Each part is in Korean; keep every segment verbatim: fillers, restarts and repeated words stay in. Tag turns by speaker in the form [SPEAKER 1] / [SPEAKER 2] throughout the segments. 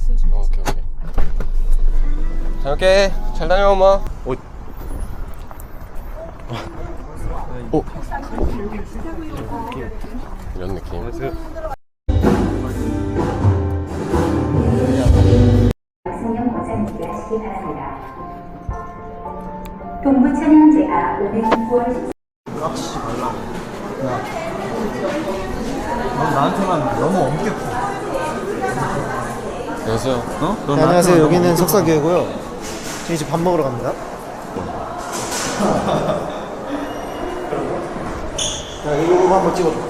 [SPEAKER 1] 어, 오케이 오케이. 잘 올게. 잘 다녀 엄마. 오. 오. 이런 느낌.
[SPEAKER 2] 성령 버전 준비하시기 바랍니다. 동부 천연제가 오늘 구월
[SPEAKER 3] 낚시 말라고. 야, 넌 나한테만 너무 엄격해.
[SPEAKER 1] 안녕하세요.
[SPEAKER 3] 어? 넌
[SPEAKER 4] 네, 안녕하세요. 여기는 석사교회고요. 저희 이제 밥 먹으러 갑니다. 자, 이거 한번 찍어줘.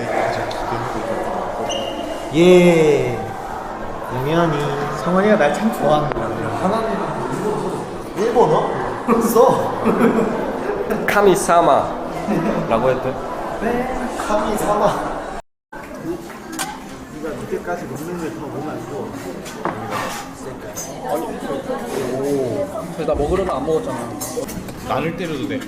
[SPEAKER 4] 예. 영현이.
[SPEAKER 3] 성원이가 날 참 좋아하는 거야.
[SPEAKER 4] 일본어? 써.
[SPEAKER 1] 카미사마라고 했대.
[SPEAKER 4] 카미 사마.
[SPEAKER 3] 네가 늦게까지 먹는 걸 더 보면 안 좋아.
[SPEAKER 5] 그래서 나 먹으려면 안 먹었잖아.
[SPEAKER 1] 나를 때려도 돼.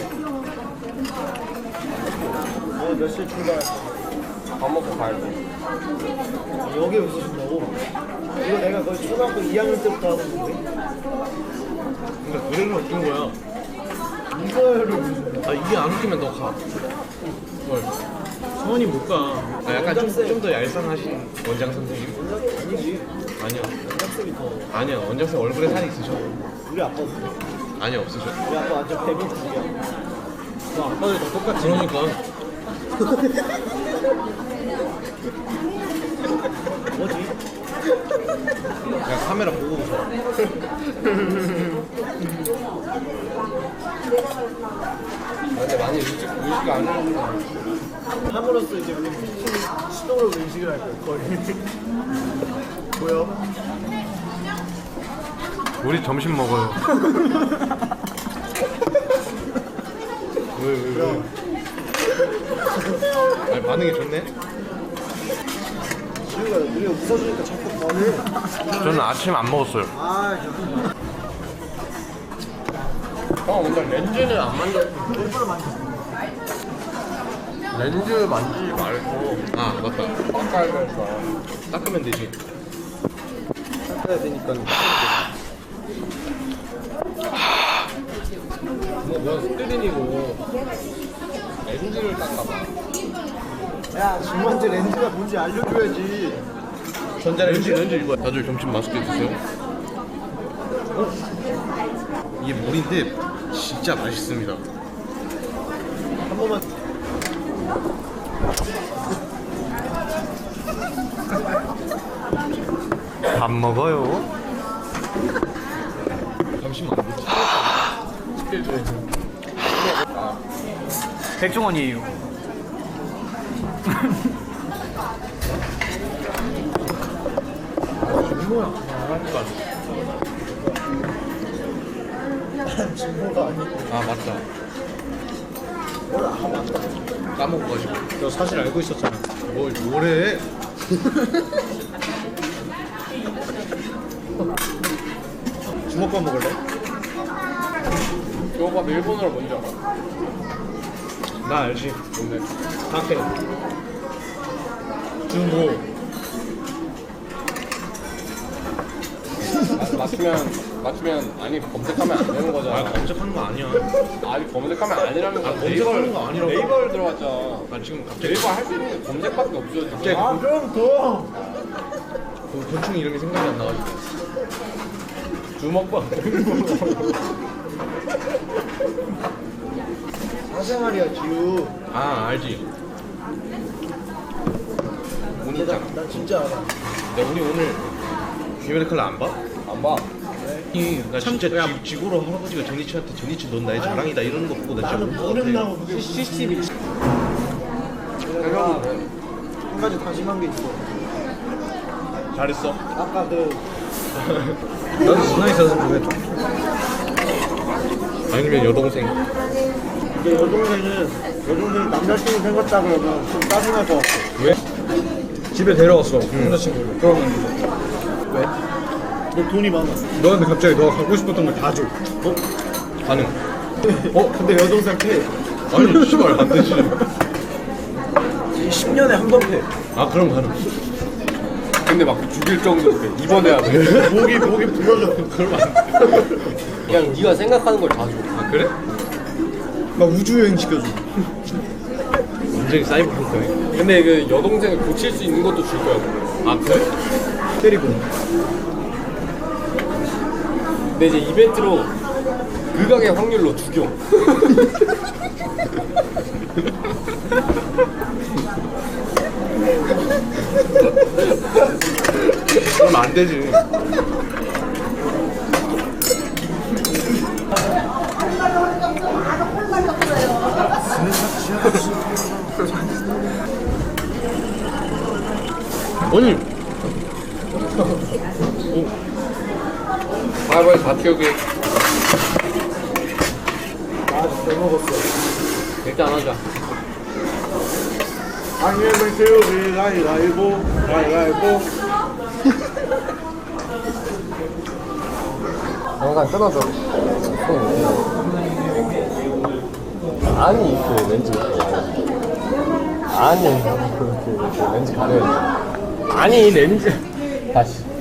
[SPEAKER 3] 너 몇 시에 출발?
[SPEAKER 1] 밥 먹고 가야 돼.
[SPEAKER 3] 여기 여기서 준다고? 이거 내가 거의 초등학교 이 학년 때부터 하는 건데?
[SPEAKER 1] 근데 노래를 어떤 거야?
[SPEAKER 3] 이거를
[SPEAKER 1] 아 이게 안 웃기면 너 가. 뭘? 성원이 못 가. 아 약간 좀 좀 더 얄쌍하신 원장 선생님?
[SPEAKER 3] 아니지.
[SPEAKER 1] 아니요.
[SPEAKER 3] 학생이 더.
[SPEAKER 1] 아니요. 원장 선생 얼굴에 살이 있으셔.
[SPEAKER 3] 우리 아빠 없어.
[SPEAKER 1] 아니요 없으셔.
[SPEAKER 3] 우리 아빠 완전 배민족이야.
[SPEAKER 1] 너 아빠들 다 똑같지. 그러니까.
[SPEAKER 3] 뭐지?
[SPEAKER 1] 그냥 카메라 보고 웃어. 근데 많이 의식, 의식 안 하는구나.
[SPEAKER 3] 함으로써 이제 우리 시도로 의식을 할 거야. 거의. 보여?
[SPEAKER 1] 우리 점심 먹어요. 왜, 왜, 왜? 아니, 반응이 좋네?
[SPEAKER 3] 지우가 우리가 웃어주니까 자꾸 번해.
[SPEAKER 1] 저는 아침 안 먹었어요.
[SPEAKER 3] 아,
[SPEAKER 1] 형, 근데 렌즈는 안 만져.
[SPEAKER 3] 일부러 만졌어.
[SPEAKER 1] 렌즈 만지지 말고. 아, 맞다. 닦아야 되니까. 닦으면 되지.
[SPEAKER 3] 닦아야 되니까.
[SPEAKER 1] 뭐, 뭐, 스크린이고. 렌즈를 닦아봐.
[SPEAKER 3] 야, 지금한테 렌즈가 뭔지 알려줘야지.
[SPEAKER 1] 전자레인지? 렌즈 이거. 다들 점심 맛있게 드세요. 어? 이게 물인데 진짜 맛있습니다.
[SPEAKER 3] 한 번만.
[SPEAKER 1] 밥 먹어요. 잠시만. 스킬 줘야지.
[SPEAKER 5] 백종원이에요.
[SPEAKER 3] 진보가 아니고.
[SPEAKER 1] 아 맞다. 까먹어가지고.
[SPEAKER 3] 너 사실 알고 있었잖아.
[SPEAKER 1] 뭘 뭐래?
[SPEAKER 3] 주먹밥 먹을래?
[SPEAKER 1] 저거 일본어로 뭔지 알아?
[SPEAKER 3] 나 알지.
[SPEAKER 1] 뭔데?
[SPEAKER 3] 다케. 주모.
[SPEAKER 1] 마- 맞추면 맞추면 아니 검색하면 안 되는 거잖아. 아 검색하는 거 아니야. 아니 검색하면 아니라는 거. 아, 검색하는 거 아니라고. 네이버를 들어갔잖아. 아 지금 갑자기 네이버 할 수 있는 게 검색밖에 없어 지금. 갑자기
[SPEAKER 3] 아, 그럼 더.
[SPEAKER 1] 그 곤충 이름이 생각이 안 나가지고. 주먹밥.
[SPEAKER 3] 사생활이야, 지우.
[SPEAKER 1] 아 알지. 운이
[SPEAKER 3] 나,
[SPEAKER 1] 있잖아.
[SPEAKER 3] 나 진짜 알아.
[SPEAKER 1] 야 우리 오늘 귀멸의 칼라 안 봐? 안 봐. 아니, 나 진짜 지, 지구로 할아버지가 전희치한테 전희치 넌 나의 자랑이다 이러는 거 보고 나 진짜
[SPEAKER 3] 나는
[SPEAKER 1] 울것 같아.
[SPEAKER 3] 모른다고 그게 씨씨티비. 내가 한 가지 다짐한 게 있어.
[SPEAKER 1] 잘했어.
[SPEAKER 3] 아까 그
[SPEAKER 1] 나도 누나 있어서 그래. 아니면 여동생.
[SPEAKER 3] 내 여동생은 여동생이 남자친구 생겼다 그러면 좀 짜증날 것 같아.
[SPEAKER 1] 왜?
[SPEAKER 5] 집에 데려왔어. 남자친구를. 그러면
[SPEAKER 3] 왜? 너 돈이 많아.
[SPEAKER 5] 너한테 갑자기 너가 갖고 싶었던 걸 다 줘.
[SPEAKER 3] 어?
[SPEAKER 1] 가능.
[SPEAKER 3] 어? 근데 여동생 패.
[SPEAKER 1] 아니 씨발 안 되지.
[SPEAKER 3] 십 년에 한 번 패.
[SPEAKER 1] 아 그럼 가능. 근데 막 죽일 정도로 그래. 입원해야 돼.
[SPEAKER 3] 목이 목이 부러져. 그러면 안 돼.
[SPEAKER 1] 그냥 네가 생각하는 걸 다 줘. 아 그래?
[SPEAKER 3] 막 우주 여행 시켜줘.
[SPEAKER 1] 완전히 사이버펑크네. 근데 그 여동생을 고칠 수 있는 것도 줄 거야. 아 그래?
[SPEAKER 3] 때리고.
[SPEAKER 1] 근데 이제 이벤트로 극악의 확률로 죽여.
[SPEAKER 3] 그러면 안 되지.
[SPEAKER 1] 아니. 아 빨리 다 태우게.
[SPEAKER 3] 아잘 먹었어.
[SPEAKER 1] 일단 하자.
[SPEAKER 3] 아니면 태우기 가위가위보 가위가위보.
[SPEAKER 1] 영상 끊어줘. 아니 그 렌즈. 아니 그, 그, 그 렌즈 가려야지. 아니 렌즈. 다시.